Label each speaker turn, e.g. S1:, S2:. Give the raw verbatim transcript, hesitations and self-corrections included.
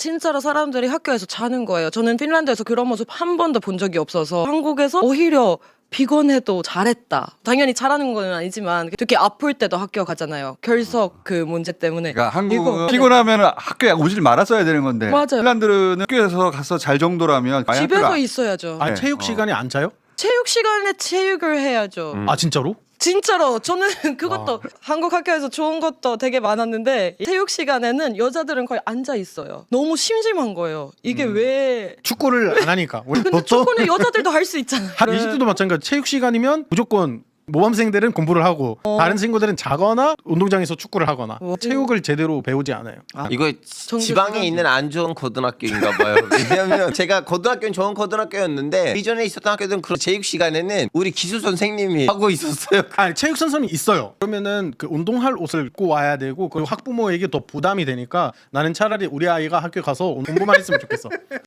S1: 진짜로 사람들이 학교에서 자는 거예요. 저는 핀란드에서 그런 모습 한 번도 본 적이 없어서 한국에서 오히려 피곤해도 잘했다. 당연히 잘하는 건 아니지만 특히 아플 때도 학교 가잖아요. 결석 그 문제 때문에.
S2: 그러니까 한국은
S1: 이거-
S2: 피곤하면 학교에 오질 말았어야 되는 건데
S1: 맞아요.
S2: 핀란드는 학교에서 가서 잘 정도라면 아예
S1: 집에서
S2: 학교가-
S1: 있어야죠.
S3: 아
S2: 네.
S3: 체육
S2: 어.
S3: 시간에 안 자요?
S1: 체육 시간에 체육을 해야죠.
S4: 음.
S3: 아 진짜로?
S1: 진짜로 저는 그것도 한국 학교에서 좋은 것도 되게 많았는데 체육 시간에는 여자들은 거의 앉아 있어요. 너무 심심한 거예요. 이게 왜?
S3: 축구를 안 하니까. 우리
S1: 근데
S3: 보통
S1: 축구는 여자들도 할 수 있잖아요.
S3: 한 이십 대도 마찬가지. 체육 시간이면 무조건 모범생들은 공부를 하고 다른 친구들은 자거나 운동장에서 축구를 하거나
S1: 어.
S3: 체육을 제대로 배우지 않아요.
S4: 이거 지방에 있는 안 좋은 고등학교인가 봐요. 왜냐면 제가 고등학교는 좋은 고등학교였는데 이전에 있었던 학교들은 그런 체육 시간에는 우리 기수 선생님이 하고 있었어요.
S3: 아니 체육 선수는 있어요. 그러면은 그 운동할 옷을 입고 와야 되고 그리고 학부모에게 더 부담이 되니까 나는 차라리 우리 아이가 학교 가서 공부만 했으면 좋겠어.